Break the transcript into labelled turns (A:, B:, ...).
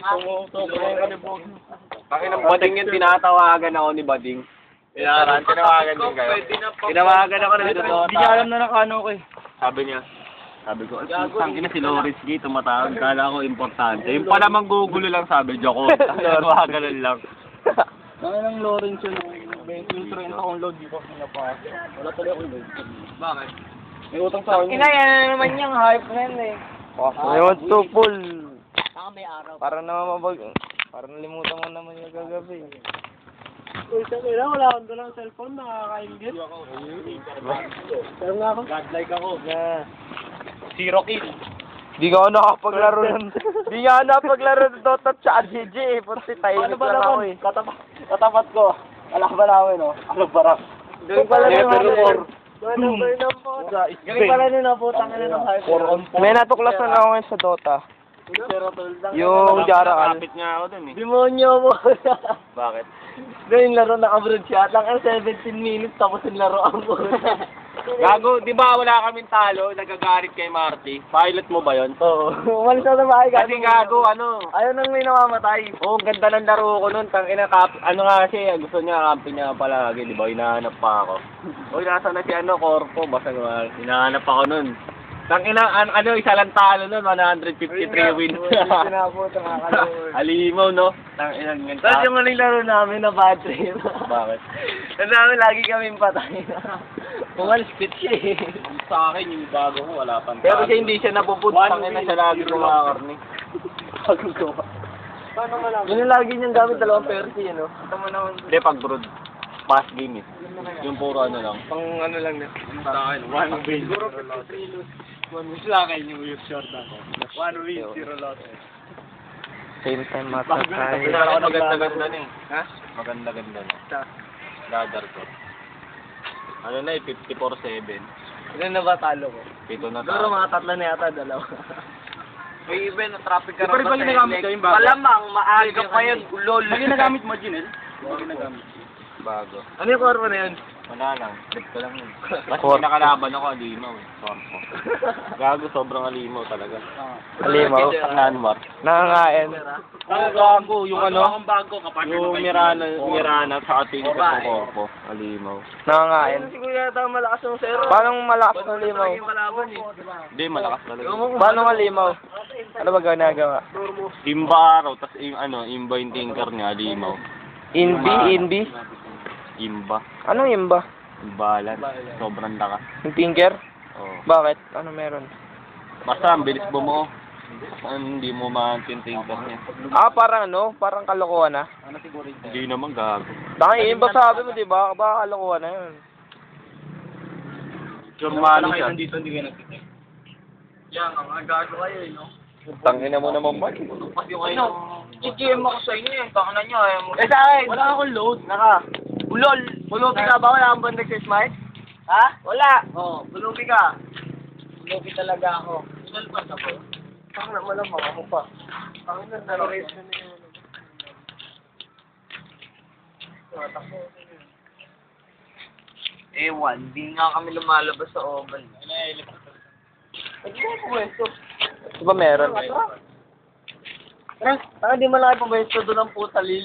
A: Sumusobra yung kanibog.
B: Bakit ng Bading yun, tinatawagan ako ni Bading. Tinawagan din kayo. Tinawagan ako na dito.
A: Hindi niya alam na nakano ko eh.
B: Sabi ko, tangin na si Loris G, tumatawag. Kala ko importante. Yung pala manggugulo lang sabi, joke ko. Tinawagan lang.
A: Bakit ng Lawrence yun? Yung 30 akong load dito. Wala tuloy akong load.
B: Bakit?
A: May utang sa akin.
C: Yan na naman yung hype friend eh.
D: Ngayon to, Paul.
C: Saka may araw.
D: Para naman Para nalimutan mo naman yung kagabi.
A: Uy, sabi na, wala akong dalang cellphone, nakakaingit. Pero nga ako. Godlike ako. Zero kill.
D: Di ka ako nakapaglaro ng... Di nga ako nakapaglaro ng Dota at GG eh. Punti tahimik lang ako eh.
A: Katapat ko. Alam ba namin, no? Alam ba rin? Galing pala nyo na po, tangin na ng hype.
D: May natuklasan ako ngayon sa Dota. Yung Jarakal.
B: Kapit nga ako dun eh.
A: Demonyo mo.
B: Bakit?
A: Yung laro naka-broad siya. Lang 17 minutes tapos yung laro ang
B: Gago, di ba wala kaming talo, nagagalit kay Marty? Pilot mo ba yon?
A: Oo. Umalis na sa bahay.
B: Kasi gago,
A: Ayaw nang may namamatay.
B: Oo, ganda ng laro ko nun. Tangina ano nga siya, gusto niya, kampi niya palagi, di ba? Hinahanap pa ako. Uy, nasa na si Corpo, basta nga, hinahanap ako nun. Tangina, isa lang talo nun, 153 wins.
A: Pinapunta nga kalawin.
B: Alimaw, no? Tangina, ganyan.
A: Tapos yung huling laro namin na bad trip.
B: Bakit?
A: Kasi namin lagi kaming patay. Umalis pit siya eh.
B: Sa akin, yung bago ko, wala pang
D: Pero siya hindi siya napuput.
B: Tangina siya lagi kumakarni.
A: Bago gawa. Paano nga lang? Yun yung lagi niyang gamit, 2 persi, ano? Tama naman.
B: Hindi, pag brood, pass game eh. Yung puro ano lang.
A: Pang ano lang na.
B: Sa akin, 1 win.
A: Siguro 53 loss. 1 win sila kayo yung short ako. 1 win, 0 loss.
D: Same time mata tayo.
B: Maganda-ganda na eh.
A: Ha?
B: Maganda-ganda na.
A: Sa?
B: Radar ko. Ano na eh, 54-7.
A: Ilan na ba talo ko?
B: Pito na
A: Siguro
B: tayo.
A: mga 3 na yata, 2.
C: May event na traffic ka
A: Di pa rin ba ginagamit ko yung bago?
C: Malamang, maaga pa yun, lol.
A: Ano ginagamit mo, Jinel? Ano ginagamit?
B: Bago.
A: Ano yung korpo na yun?
B: Wala lang. Trip ko lang yun. Kasi nakalaban ako, alimaw eh. Sorpo. Gago, sobrang alimaw talaga.
D: Alimaw.
B: Nanmar.
D: Nangangain.
B: Gago, yung
C: Ang bago kapag
B: yung Mirana sa ating sa korpo. Alimaw.
D: Nangangain.
A: Siguro yata ang malakas ng zero.
D: Paano malakas ng limaw?
A: Yung kalaban eh.
B: Hindi, malakas talaga.
D: Paano nga limaw? Ano ba ginagawa?
B: Imba araw, tas imba yung tinker niya, alimaw.
D: Inbi?
B: Imba.
D: Anong imba?
B: Imbalan. Sobrang lakas.
D: Yung tinker?
B: Oo.
D: Bakit? Ano meron?
B: Basta, ang bilis bumuo. Hindi mo ma-tinker niya.
D: Parang parang kalokohan na.
B: Hindi naman gago.
D: Dahil imba sabi mo, di ba? Baka kalokohan na yun.
B: Normalo siya.
A: Dito hindi kayo nagtitin.
C: Yan, ang gago kayo eh, no?
B: Tangina mo naman, Mike.
C: Ano? GGM ako sa inyo eh, baka na nyo ayaw mo.
A: Eh sa akin, wala akong load. Ulol. Bulubi ka ba? Wala kang band nag-smite? Ha? Wala. Oo, bulubi ka. Bulubi talaga ako. Ulol pa sa ko? Parang na malamang ako pa. Parang na race na yun.
C: Ewan, di nga kami lumalabas sa oval.
A: Hindi mo pumwesto.
D: Di ba meron?
A: Di mo lang pumwesto doon ang puta